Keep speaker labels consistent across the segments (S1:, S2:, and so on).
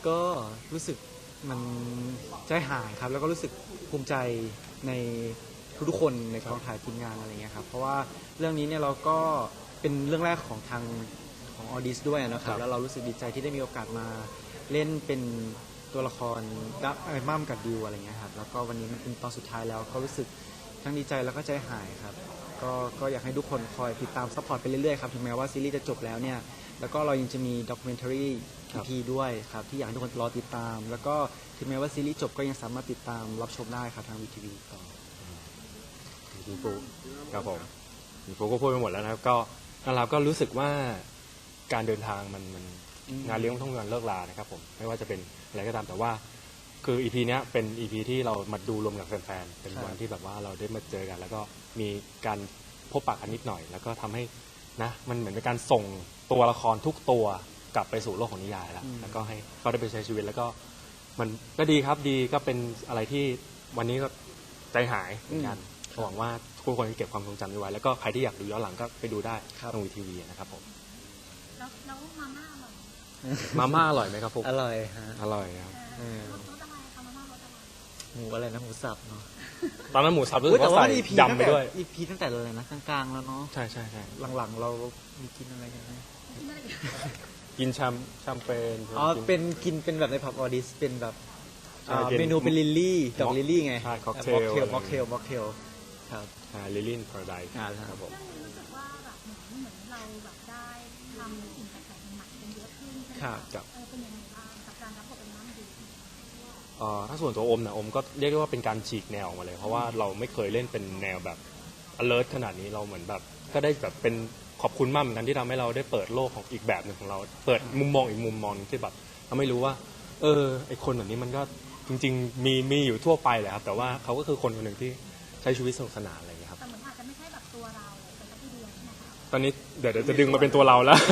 S1: ก็รู้สึกมันใจหายครับแล้วก็รู้สึกภูมิใจในทุกๆคนในกองถ่ายทีมงานอะไรเงี้ยครับเพราะว่าเรื่องนี้เนี่ยเราก็เป็นเรื่องแรกของทางของออดิสด้วยนะครับแล้วเรารู้สึกดีใจที่ได้มีโอกาสมาเล่นเป็นตัวละครดับมั่มกับดิวอะไรเงี้ยครับแล้วก็วันนี้มันเป็นตอนสุดท้ายแล้วก็รู้สึกทั้งดีใจแล้วก็ใจหายครับก็อยากให้ทุกคนคอยติดตามซัพพอร์ตไปเรื่อยๆครับถึงแม้ว่าซีรีส์จะจบแล้วเนี่ยแล้วก็เรายังจะมีด็อกิเมนทารีอีกทีด้วยครับที่อยากให้ทุกคนรอติดตามแล้วก็ถึงแม้ว่าซีรีส์จบก็ยังสามารถติดตามรับชมได้ครับทางวีทีวีต่อ
S2: คุณปูครับผมคุณปูก็พูดไปหมดแล้วนะครับก็เราก็รู้สึกว่าการเดินทางมันงานเลี้ยงต้องงานเลิกลานะครับผมไม่ว่าจะเป็นอะไรก็ตามแต่ว่าคือ EP เนี้ยเป็น EP ที่เรามาดูรวมกับแฟนๆเป็นวันที่แบบว่าเราได้มาเจอกันแล้วก็มีการพบปะกันนิดหน่อยแล้วก็ทำให้นะมันเหมือนเป็นการส่งตัวละครทุกตัวกลับไปสู่โลกของนิยายแล้วก็ให้เขาได้ไปใช้ชีวิตแล้วก็มันก็ดีครับดีก็เป็นอะไรที่วันนี้ก็ใจหายเหมือนกันหวังว่าทุกคนจะเก็บความทรงจำไว้แล้วก็ใครที่อยากดูย้อนหลังก็ไปดูได้ทางวีทีวีนะครับผม
S3: แล้วมาม่าอร่อย
S2: มาม่าอร่อยไหมครับผม
S1: อร่อยฮะ
S2: อร่อยครับ
S3: รสอะไรคะมาม่ารสอะไร
S1: หมูอะไรนะหมูสับเนาะ
S2: ตอนนั้นหมูสับรู้สึกว่าใส่ยำไปด้วย
S1: EP ตั้งแต่อะไรนะกลางๆแล้วเนาะ
S2: ใช่ใช่ใช่
S1: หลังๆเรามีกินอะไรกันไหม
S2: กินแชมเปญ
S1: อ๋อเป็นกินเป็นแบบในผับออดิสเป็นแบบเมนูเป็นลิลลี่ดอกลิลลี่ไง
S2: ค็อกเทล
S1: ม็อกเทลครับ
S2: ลิลลี่พาราไดซ์
S1: ครับผม
S3: รู้สึกว่าแบบเหมือนเราแบบได้ทำสิ่งแปลกๆใหม่ๆกันเยอะขึ้นใช่ไหมครับเป็นยังไงบ้างกับการรับบทเป็นน้ำดี
S2: ถ้าส่วนตัวอมนะอมก็เรียกได้ว่าเป็นการฉีกแนวออกมาเลยเพราะว่าเราไม่เคยเล่นเป็นแนวแบบ alert ขนาดนี้เราเหมือนแบบก็ได้แบบเป็นขอบคุณมากเหมือนกันที่ทำให้เราได้เปิดโลกของอีกแบบหนึ่งของเราเปิดมุมมองอีกมุมมองที่แบบเราไม่รู้ว่าไอคนแบบนี้มันก็จริงๆมีอยู่ทั่วไปแหละครับแต่ว่าเขาก็คือคนคนหนึ่งที่ใช้ชีวิตสนุกสนานอะไรอย่างเงี้ยครับ
S3: แต่เหมือนอาจจะไม่ใช่แบบตัวเราเป็นสักทีเดียวใช่ไหมคะ
S2: ตอนนี้เดี๋ยวจะดึงมาเป็นตัวเราแล้ว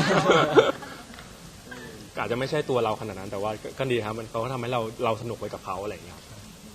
S2: อาจจะไม่ใช่ตัวเราขนาดนั้นแต่ว่าก็ดีครับมันเขาก็ทำให้เราสนุกไปกับเขาอะไรอย่างเงี้ยครับ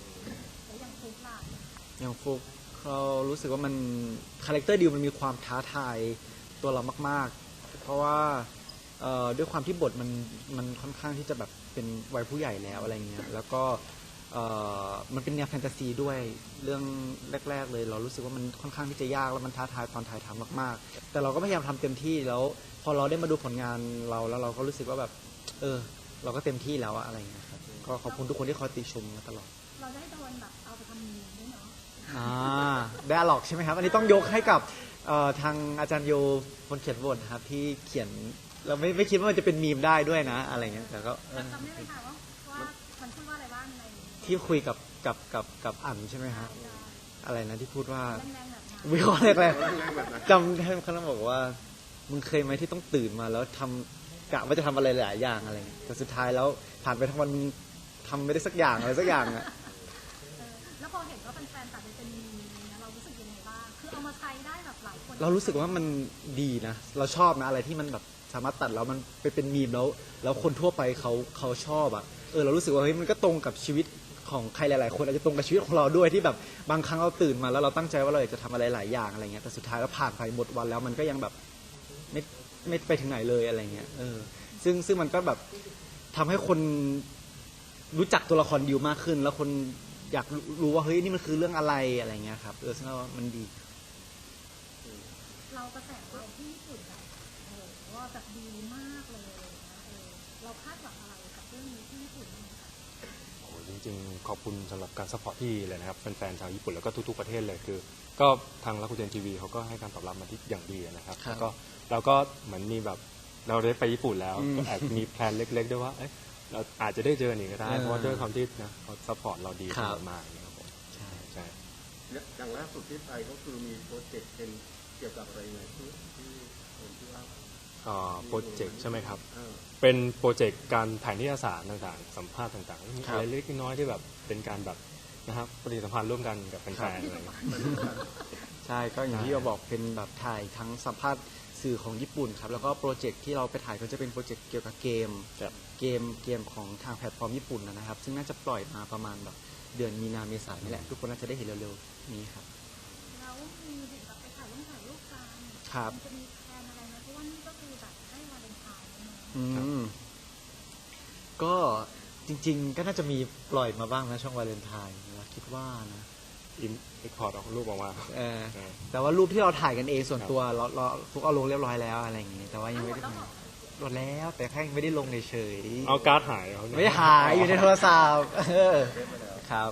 S1: อย่างฟุกเรารู้สึกว่ามันคาแรคเตอร์ดิวมันมีความท้าทายตัวเรามากๆเพราะว่าด้วยความที่บทมันค่อนข้างที่จะแบบเป็นวัยผู้ใหญ่แล้วอะไรเงี้ยแล้วก็มันเป็นแนวแฟนตาซีด้วยเรื่องแรกๆเลยเรารู้สึกว่ามันค่อนข้างที่จะยากแล้วมันท้าทายตอนถ่ายทำมากๆแต่เราก็พยายามทำเต็มที่แล้วพอเราได้มาดูผลงานเราแล้วเราก็รู้สึกว่าแบบเราก็เต็มที่แล้วอะไรเงี้ยครับก็ขอบคุณทุกคนที่คอยติชมมาตลอด
S3: เราได้โดนแบบเอาไปทำมีมด้วยเนาะ
S1: ได้หรอกใช่ไหมครับอันนี้ต้องยกให้กับทางอาจารย์โยคนเขียนบทครับที่เขียนเราไม่คิดว่ามันจะเป็นมีมได้ด้วยนะอะไรเงี้ยแต่ก็
S3: จำได้ไหมคะว่ามันพูดว่าอะไรบ้างใน
S1: ที่คุยกับอั๋นใช่ไหมฮะอะไรนะที่พูดว่าวิเคราะห์แรกๆจำได้เขาบอกว่ามึงเคยไหมที่ต้องตื่นมาแล้วทำกะว่าจะทำอะไรหลายอย่างอะไรแต่สุดท้ายแล้วผ่านไปทั้งวันมึงทำไม่ได้สักอย่างอะไรสักอย่างอะ
S3: แล้วพอเห็นว่าแฟนๆตัดเป็นมีมเรารู้สึกยังไงบ้างคือเอามาใช้ได้แบบหลายคน
S1: เรารู้สึกว่ามันดีนะเราชอบนะอะไรที่มันแบบสามารถตัดแล้วมันไปเป็นมีมแล้วคนทั่วไปเขาชอบอ่ะเรารู้สึกว่าเฮ้ยมันก็ตรงกับชีวิตของใครหลายๆคนอาจจะตรงกับชีวิตของเราด้วยที่แบบบางครั้งเราตื่นมาแล้วเราตั้งใจว่าเราอยากจะทำอะไรหลายอย่างอะไรเงี้ยแต่สุดท้ายแล้วผ่านไปหมดวันแล้วมันก็ยังแบบไม่ไปถึงไหนเลยอะไรเงี้ยซึ่งมันก็แบบทำให้คนรู้จักตัวละครดิวมากขึ้นแล้วคนอยากรู้ว่าเฮ้ยนี่มันคือเรื่องอะไรอะไรเงี้ยครับซึ่งว่ามันดี
S3: เรากระแสเราที่ญี่ปุ่นแบบว่าแบบดีมากเลยเราคาดหวังอะไรกับเรื่องนี้ที่ญี่ปุ่นบ้างคะ
S2: จริงๆขอบคุณสำหรับการซัพพอร์ตที่เลยนะครับแฟนๆชาวญี่ปุ่นแล้วก็ทุกๆประเทศเลยคือก็ทางรักคุเจนทีวีเขาก็ให้การตอบรับมาที่อย่างดีนะครับแล้วก็เราก็เหมือนมีแบบเราได้ไปญี่ปุ่นแล้วก็แอบมีแพลนเล็กๆด้วยว่าเราอาจจะได้เจออีกก็ได้เพราะว่าด้วยความที่นะเขาซัพพอร์ตเราดีมากๆนะครับผมใช่
S4: อย่างล่าสุดที่ไปก็คือมีโปรเจกต์เป็นเกี่ยวกับอะไรไงที่ผมที่ว่า
S2: โปรเจกต์ใช่ไหมครับเป็นโปรเจกต์การถ่ายนิตยสารต่างๆสัมภาษณ์ต่างๆมีอะไรเล็กน้อยที่แบบเป็นการแบบนะครับปฏิสัมพันธ์ร่วมกันกับแฟนๆอะไร
S1: ใช่ก็อย่างที่เราบอกเป็นแบบถ่ายทั้งสัมภาษณ์สื่อของญี่ปุ่นครับแล้วก็โปรเจกต์ที่เราไปถ่ายก็จะเป็นโปรเจกต์เกี่ยวกับเกมของทางแพลตฟอร์มญี่ปุ่นนะครับซึ่งน่าจะปล่อยมาประมาณแบบเดือนมีนาเมษายนนี่แหละทุกคนน่าจะได้เห็นเร็วๆนี้ครับ
S3: แล้วมีเด็กแบบไปถ่ายรูปกัน
S1: ครับ
S3: จะมีแพลนอะไรไหมเพราะว่านี่ก็คือแบบได้วาเลนไทน์
S1: ก็จริง ๆ ก็น่าจะมีปล่อยมาบ้างนะช่วงวาเลนไทน์นะคิดว่านะ
S2: อินพอร์ตออกรูปออกมา
S1: เออ
S2: เออ
S1: แต่ว่ารูปที่เราถ่ายกันเองส่วนตัวเราฟุกเอาลงเรียบร้อยแล้วอะไรอย่างงี้แต่ว่ายังไม่ได้หมดแล้วแต่แค่ไม่ได้ลงเฉยๆ
S2: เอาการ์ดหายเอาเนี่ย
S1: ไม่หายอยู่ในโทรศัพท์ครับ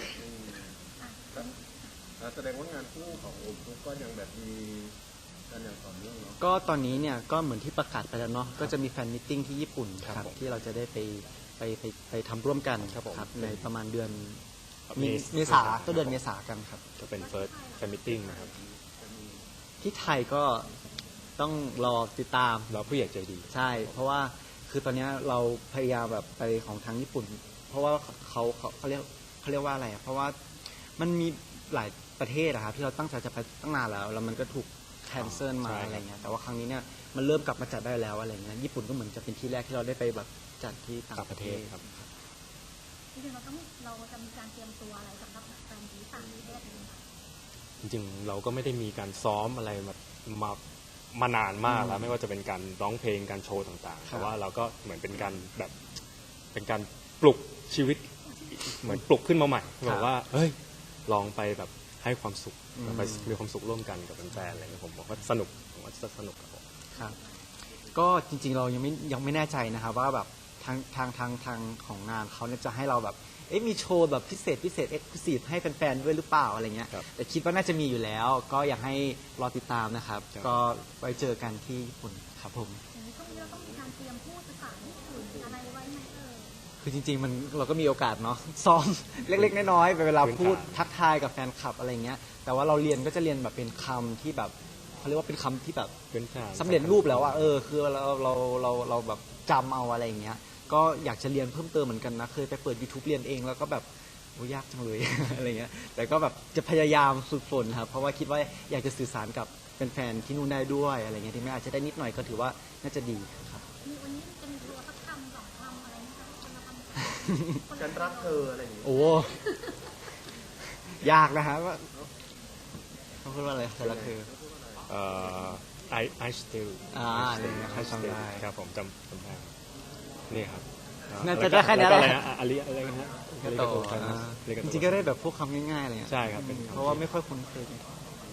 S4: แสดงว่างานคู่ของโอมฟุกก็ยังแบบมีกันอย่างต่อเนื่องเนาะ
S1: ก็ตอนนี้เนี่ยก็เหมือนที่ประกาศไปแล้วเนาะก็จะมีแฟนมิทติ้งที่ญี่ปุ่นครับที่เราจะได้ไปทำร่วมกันครับในประมาณเดือนเมษาต้นเดือนเมษากันครับ
S2: จะเป็น first fan meeting นะครับ
S1: ที่ไทยก็ต้องรอติดตาม
S2: เราผู้ใหญ่ใจดี
S1: ใช่ เพราะว่าคือตอนนี้เราพยายามแบบไปของทางญี่ปุ่น เพราะว่าเขาเรียกว่าอะไรอะเพราะว่ามันมีหลายประเทศอะครับที่เราตั้งใจจะไปตั้งนานแล้วมันก็ถูกแคนเซิลมา
S2: ใช่ครับ
S1: อะไรเงี้ยแต่ว่าครั้งนี้เนี่ยมันเริ่มกลับมาจัดได้แล้วอะไรเงี้ยญี่ปุ่นก็เหมือนจะเป็นที่แรกที่เราได้ไปแบบจัดที่ต่างประเทศ
S2: ครับ
S3: จริงๆเราจะมีการเตรียมตัวอะไรสำหรับแฟนที่ต่างประเทศไหมคะ
S2: จริงๆเราก็ไม่ได้มีการซ้อมอะไรมานานมากแล้วไม่ว่าจะเป็นการร้องเพลงการโชว์ต่างๆ
S1: ครับ
S2: แต่ว่าเราก็เหมือนเป็นการแบบเป็นการปลุกชีวิตเหมือนปลุกขึ้นมาใหม่บอกว่าเฮ้ยลองไปแบบให้ความสุขไปมีความสุขร่วมกันกับแฟนๆอะไรเงี้ยผมบอกว่าสนุกผมว่าจะสนุกครับผม
S1: ครับก็จริงๆเรายังไม่แน่ใจนะครับว่าแบบทางของงานเขาเนี่ยจะให้เราแบบมีโชว์แบบพิเศษเอ็กซ์คลูซีฟให้แฟนๆด้วยหรือเปล่าอะไรเงี้ย
S2: ครับ
S1: แต่คิดว่าน่าจะมีอยู่แล้ว ก็อยากให้รอติดตามนะครับ
S2: ครับ
S1: ก็ไว้เจอกันที่ญี่ปุ่นครับผม
S3: อย่างนี้ช่วงนี้เราต้องมีการเตรียมพูดภาษาญี่ปุ่นอะไรไว้ไหม
S1: คือจริงๆเราก็มีโอกาสเนาะ ซ้อม เล็กๆน้อยๆเวลาพูดทักทายกับแฟนคลับอะไรเงี้ยแต่ว่าเราเรียนก็จะเรียนแบบเป็นคำที่แบบเขาเรียกว่าเป็นคำที่แบบ
S2: เป็นการ
S1: สำเร็จรูปแล้วอะคือเราแบบจำเอาอะไรอย่างเงี้ยก็อยากจะเรียนเพิ่มเติมเหมือนกันนะเคยไปเปิด YouTube เรียนเองแล้วก็แบบโอ้ยากจังเลย อะไรเงี้ยแต่ก็แบบจะพยายามฝึกฝนครับเพราะว่าคิดว่าอยากจะสื่อสารกับแฟนๆที่นู่นได้ด้วยอะไรเงี้ยที่แม้อาจจะได้นิดหน่อยก็ถือว่าน่าจะดีครับ
S3: มีวันนี้จะมีตัวสักคำสองคำอะไรไหมคะคนละคำ
S4: ฉันรักเธออะไรอย่างเงี้ย
S1: โอ้ยากนะฮะว่าเขาพูดว่าอะไรแต่ละคือ
S2: I still
S1: ใครจำได้
S2: ครับผมจำได้นี่ครับ
S1: น่าจะได้แค่นี้
S2: ล้ว
S1: แห
S2: ก็
S1: ละ
S2: อะไรนะอาริอะไรนะฮะ
S1: ก็โตจริงๆก็ได้แบบพวกคำง่ายๆอะไรเงี้ย
S2: ใช่ครับเป็นคำ
S1: เพราะว่าไม่ค่อยคุ้นเคยกัน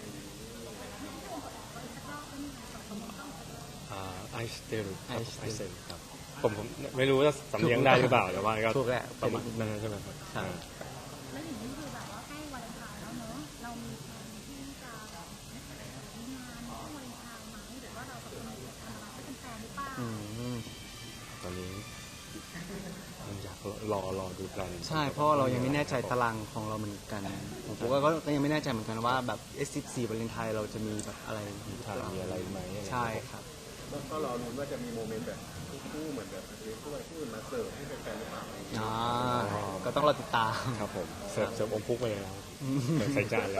S2: I still ครับ
S1: I
S2: I
S1: still
S2: still ครับผมไม่รู้ว่าสำเนียงได้หรือเปล่าแต่ว่าก็
S1: ถูกแหละ
S2: ประมาณนั้นใช่ไหมครับ
S1: ครับ
S3: แล้วอย่างนี้คือแบบว่าใกล้วาเลนไทน์แล้วเนอะเรามีแผนที่จะแบบมีงานช่วงวาเลนไทน์ไหมหรือว่าเราแบบมีกิจกรรมอะไรให้เป็นแฟนหรือเปล่า
S1: อืม
S2: ตอนนี้ยังอยากรอดูแพลน
S1: ใช่เพราะว่าเรายังไม่แน่ใจตารางของเราเหมือนกันผมก็ยังไม่แน่ใจเหมือนกันว่าแบบ S14 วาเลนไทน์เราจะมีแบบอะไร
S2: มีถ่ายมีอะไรไหม
S1: ใช่ครับ
S4: ก็รอลุ้นว่าจะมีโมเมนต์แบบคู่เหมือนแบบคู่อะไรคู่อื่นมาเสิร์ฟให้แฟนๆหรือเปล่า
S1: ก็ต้องรอติดตาม
S2: ครับผมเสิร์ฟอมพุกไปเลยนะครับใส่จานเลย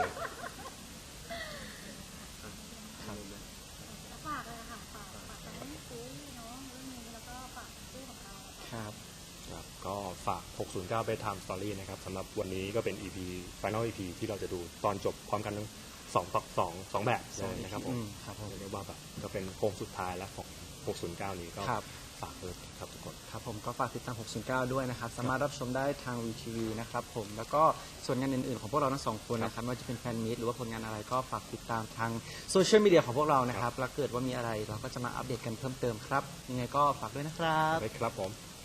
S3: แล้วฝากเลยค่ะฝากจะให้ซื้อเนาะเรื่องนี้แล้วก็ฝากซื้อของเรา
S1: ครับ
S2: ครับก็ฝาก 609 ไป Time Story นะครับสำหรับวันนี้ก็เป็น EP Final EP ที่เราจะดูตอนจบพร้อมกันทั้ง2 แบบเลยนะครับผม
S1: ครับผม
S2: เรียกว่าแบบก็เป็นโค้งสุดท้ายแล้วของ 609 นี้ก็
S1: ครับ
S2: ฝากเลยครับทุกคน
S1: ครับผมก็ฝากติดตาม 609 ด้วยนะครับ สามารถรับชมได้ทาง VTV นะครับผม แล้วก็ส่วนงานอื่นๆของพวกเราทั้งสองคนนะครับไม่ว่าจะเป็นแฟนมีตหรือว่าผลงานอะไรก็ฝากติดตามทางโซเชียลมีเดียของพวกเรานะครับ แล้วเกิดว่ามีอะไรเราก็จะมาอัปเดตกันเพิ่มเติมครับ ยังไงก็ฝากด้วยนะครับ
S2: ได้ครับผม
S1: ค